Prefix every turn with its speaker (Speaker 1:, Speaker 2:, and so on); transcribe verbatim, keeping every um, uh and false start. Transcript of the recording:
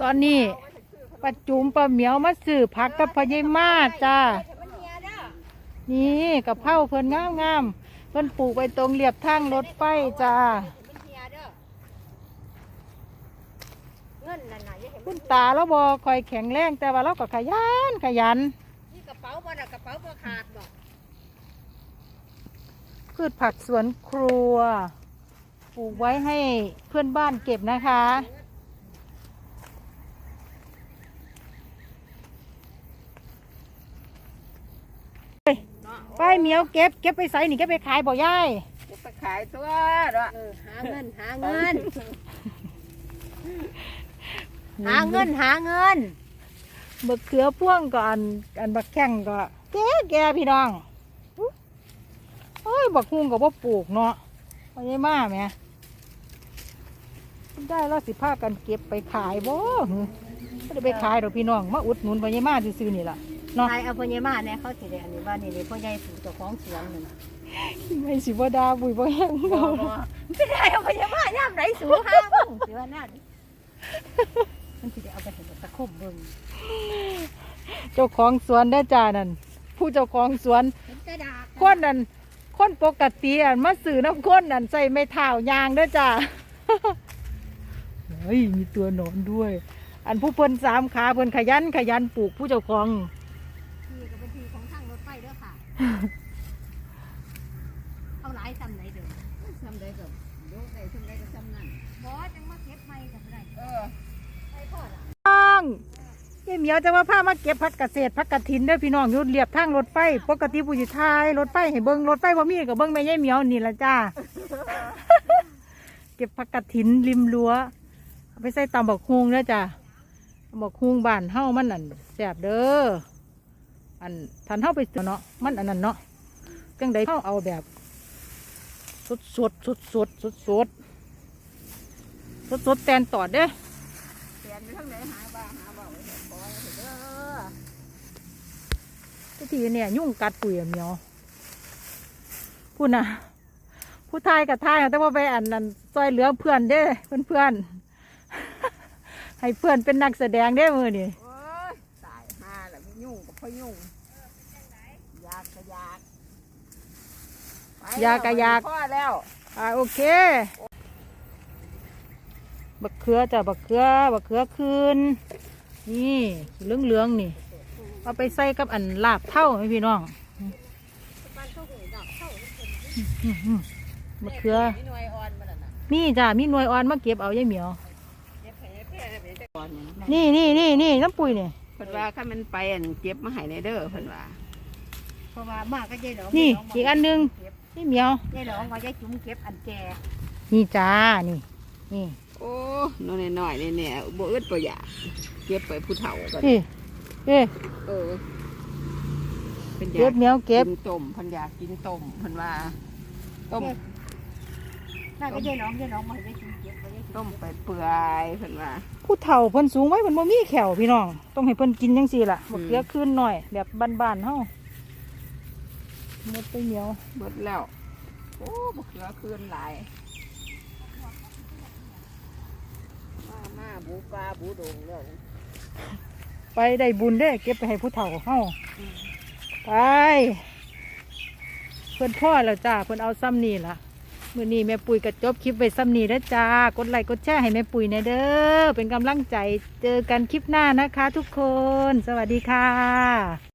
Speaker 1: ตอนนี้ป้าจุ๋มป้าเหมียวมาซื้อผักกับพญายมาจ้านี่กับเผาเพิ่นงามงามเพิ่นปลูกไว้ตรงเรียบทางรถไฟจ้าคุณตาแล้วบอคอยแข็งแรงแต่ว่าเราก็ขยันขยัน
Speaker 2: นี่กระเป๋าบ่น่ะกระเป๋าบ่ขาดบ่
Speaker 1: พืชผักสวนครัวปลูกไว้ให้เพื่อนบ้านเก็บนะคะไปเหมียวเก็บเก็บไปใส่นี่เก็บไปขายบ่ยาย
Speaker 2: เก็บไปขายตัวเนาะหาเงินหาเงินหาเงินหาเงิน
Speaker 1: บักเขือพ่วงก็อันอันบักแข้งก็แก่แก่พี่น้องเฮ้ยบักฮุ่งก็บ่ปลูกเนาะพญายมาแม่ได้แล้วสิพากันเก็บไปขายบ่ไม่ได้ไปขายดอกพี่น้องมาอุดหนุนพญายมาซื้อๆนี่ล่ะ
Speaker 2: เนาะขายเอาพญายมาเนี่ยเขาสิได้อันนี้ว่านี่เลยพ่อใหญ่ปลูกเจ้าของสวนนั่น
Speaker 1: ไม่สิบ่ดาบุยบ่แห้งบ่
Speaker 2: ไม่ได้เอาพญายามไหนสูงหาบ้างสิว่านั่นมันสิได้เอาไปเห็นตะคุบเบิ่ง
Speaker 1: เจ้าของสวนได้จ้านั่นผู้เจ้าของสวนคนนั่นคนปกติอ่ะมาซื้อน้ำข้นนั่นใส่ไม่เท้ายางได้จ้าเฮ้ยมีตัวหนอนด้วยอันผู้เพิ่นสามขาเพิ่นขยันขยันปลูกผู้เจ้าของ
Speaker 2: นี่ก็เป็นที่ของทางรถไฟเด้อค่ะเอาหลายซ้ำไหนเด้อซ้ำใดก็โยกได้ซ้ำใดก็ซ้ำนั่นบ่จังมาเก็บใหม่ก็ได้เออไปพอด
Speaker 1: ต้องยายเหมียวจะว่าพามาเก็บผักเกษตรผักกระถินเด้อพี่น้องอยู่เรียบทางรถไฟปกติผู้อยู่ท้ายรถไฟให้เบิ่งรถไฟบ่มีก็เบิ่งแม่ยายเหมียวนี่ล่ะจ้าเก็บผักกระถินริมรั้วเอาไปใส่ตำบักฮุงเด้อจ้าบักฮุงบ้านเฮามันนั่นแซ่บเด้ออันทันเฮาไปเนาะมันอันนั้นเนาะจังใดเฮาเอาแบบสดสดสดสดสดสดสดสดแตนตอดเด้อ
Speaker 2: แตนอยู่ทางไหนหาบ้าหาบ่าไว้ขอเด้
Speaker 1: อทีเนี่ยยุ่งกัดปุ๋ยเหมียวพูดนะผู้ทายกับทายแต่ว่าไปอันนั้นซอยเหลือเพื่อนเด้เพื่อนเพื่อนให้เพื่อนเป็นนักแสดงได้มือนี่
Speaker 2: โอ้ยตายห่าแล้วไม่ยุ่งกับพ่อยุ่งยากกะยาก
Speaker 1: ยากกะยาก
Speaker 2: พ่อแล้ว
Speaker 1: อ่าโอเคบักเขือจ้ะบักเขือบักเขือคืนนี่เหลืองเหลืองนี่เอาไปใส่กับอันลาบเท่าไหมพี่น้องบักเขือนี่จ้ะมีหน่วยอ่อนมาเก็บเอายายเหมียวนี่นี่นี่นี่น้ำปุ๋ยนี่
Speaker 2: เพิ่นว่าถ้ามันไปอันเก็บมาให้ในเด้อเพิ่นว่าเพราะว่ามากก็ยายหลง
Speaker 1: นี่อีกอันนึงนี่เหมียวย
Speaker 2: ายหลงว่ายายจุ๋มเก็บอันแก่
Speaker 1: นี่จ้านี่นี่
Speaker 2: โอ้น้อยน้อยเนี่ยบ่อึดบ่อยากเก็บไปผู้เฒ่าก่อน
Speaker 1: นี่เอ๊
Speaker 2: เออ
Speaker 1: เป็นเก็บเหนียวเก็บ
Speaker 2: ต้มเพิ่นอยากกินต้มเพิ่นว่าต้มน่าก็ยายหลงยายหลงมาให้ยายจุ๋มเก็บต้มไปเปื่อยเพิ่นว่า
Speaker 1: ผู้เฒ่าเพิ่นสูงไว้เพิ่นบ่มีแขวพี่น้องต้องให้เพิ่นกินจังซี่ล่ะบ่เกลือขึ้นหน่อยแบบบ้านๆเฮาหมดไปเหนียว
Speaker 2: หมดแล้วโอ้บ่เกลือขึ้นหลายมามาบูปลาบูดงแล้ว
Speaker 1: ไปได้บุญเด้เก็บไปให้ผู้เฒ่าเฮาไปเพิ่นพ่อแล้วจ้าเพิ่นเอาซ้ำนี่ล่ะมื้อนี้แม่ปุ๋ยก็จบคลิปไว้ซ้ำนี้แล้วจ้ากดไลค์กดแชร์ให้แม่ปุ๋ยหน่อยเด้อเป็นกำลังใจเจอกันคลิปหน้านะคะทุกคนสวัสดีค่ะ